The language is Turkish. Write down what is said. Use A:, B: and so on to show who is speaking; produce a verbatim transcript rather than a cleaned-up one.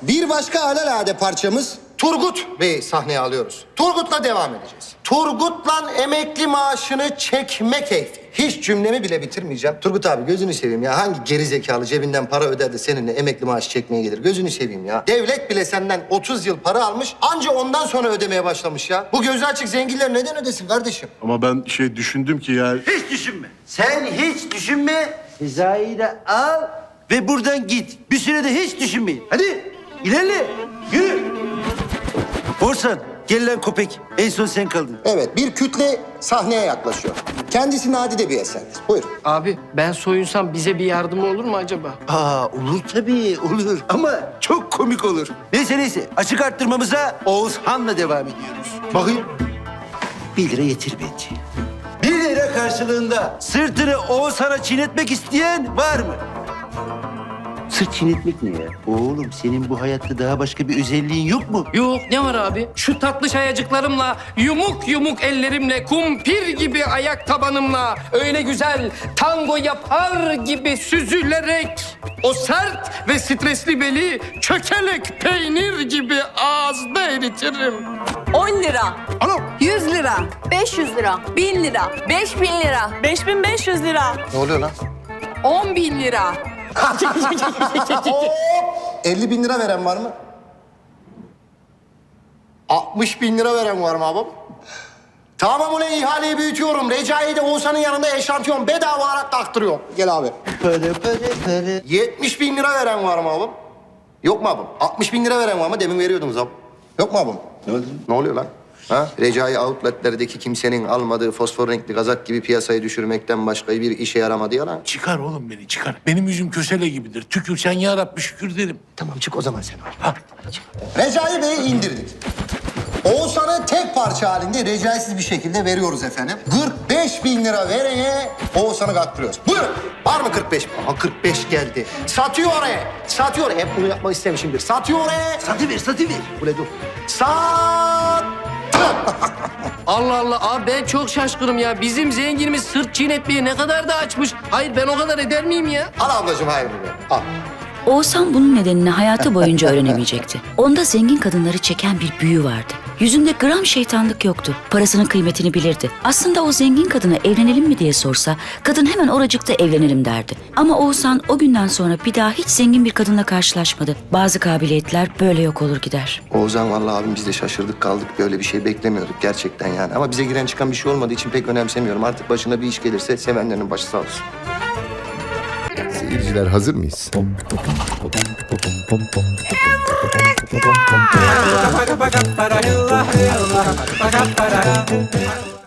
A: Bir başka alelade parçamız Turgut Bey'i sahneye alıyoruz. Turgut'la devam edeceğiz. Turgut'la emekli maaşını çekme keyfi. Hiç cümlemi bile bitirmeyeceğim. Turgut abi gözünü seveyim ya. Hangi geri zekalı cebinden para öder de seninle emekli maaşı çekmeye gelir? Gözünü seveyim ya. Devlet bile senden otuz yıl para almış. Anca ondan sonra ödemeye başlamış ya. Bu gözü açık zenginler neden ödesin kardeşim?
B: Ama ben şey düşündüm ki ya...
C: Hiç düşünme. Sen hiç düşünme. Sezai'yi de al ve buradan git. Bir sürede hiç düşünmeyin. Hadi ilerle. Yürü. Orsan gel lan köpek. En son sen kaldın.
A: Evet, bir kütle sahneye yaklaşıyor. Kendisi nadide bir eserdir. Buyur.
D: Abi ben soyunsam bize bir yardımı olur mu acaba?
C: Aa olur tabii olur ama çok komik olur. Neyse neyse açık arttırmamıza Oğuzhan'la devam ediyoruz.
A: Bakayım.
C: Bir lira yetir bence. Bir lira karşılığında sırtını Oğuzhan'a çiğnetmek isteyen var mı? Sırt çiğnetmek ne ya? Oğlum senin bu hayatta daha başka bir özelliğin yok mu?
D: Yok ne var abi? Şu tatlı şayacıklarımla, yumuk yumuk ellerimle, kumpir gibi ayak tabanımla öyle güzel tango yapar gibi süzülerek o sert ve stresli beli çökelek peynir gibi ağızda eritirim.
E: on lira.
D: Alo.
E: yüz lira. beş yüz lira. bin lira. beş bin lira. beş bin beş yüz lira.
A: Ne oluyor lan?
E: on bin lira.
A: elli bin lira veren var mı? altmış bin lira veren var mı abim? Tamam ulan ihaleyi büyütüyorum. Recai'yi de Oğuzhan'ın yanında eşantiyon bedava olarak taktırıyorum. Gel abi.
C: Para para para.
A: yetmiş bin lira veren var mı abim? Yok mu abim? altmış bin lira veren var mı? Demin veriyordunuz abim. Yok mu abim?
C: Ne oldu?
A: Ne oluyor lan? Ha? Recai outletlerdeki kimsenin almadığı fosfor renkli kazak gibi piyasayı düşürmekten başka bir işe yaramadı ya lan.
B: Çıkar oğlum beni çıkar. Benim yüzüm kösele gibidir. Tükürsen ya Rabbi şükür derim.
A: Tamam çık o zaman sen.
B: Ha.
A: Recai Bey'i indirdik. Oğuzhan'ı tek parça halinde recaisiz bir şekilde veriyoruz efendim. kırk beş bin lira verene Oğuzhan'ı kaktırıyoruz. Buyurun. Var mı kırk beş? Aha kırk beş geldi. Satıyor oraya. Satıyor. Hep bunu yapmak istemişimdir. Satıyor oraya.
C: Satıver satıver.
A: Ule dur. Sat.
D: Allah Allah abi ben çok şaşkınım ya. Bizim zenginimiz sırt çiğnetmeye ne kadar da açmış. Hayır ben o kadar eder miyim ya?
A: Al ablacığım hayır be. Al.
F: Oğuzhan bunun nedenini hayatı boyunca öğrenemeyecekti. Onda zengin kadınları çeken bir büyü vardı. Yüzünde gram şeytanlık yoktu. Parasının kıymetini bilirdi. Aslında o zengin kadına evlenelim mi diye sorsa, kadın hemen oracıkta evlenelim derdi. Ama Oğuzhan o günden sonra bir daha hiç zengin bir kadınla karşılaşmadı. Bazı kabiliyetler böyle yok olur gider.
A: Oğuzhan vallahi abim biz de şaşırdık kaldık. Böyle bir şey beklemiyorduk gerçekten yani. Ama bize giren çıkan bir şey olmadığı için pek önemsemiyorum. Artık başına bir iş gelirse sevenlerinin başı sağ olsun.
G: Seyirciler hazır mıyız?
H: Para para para para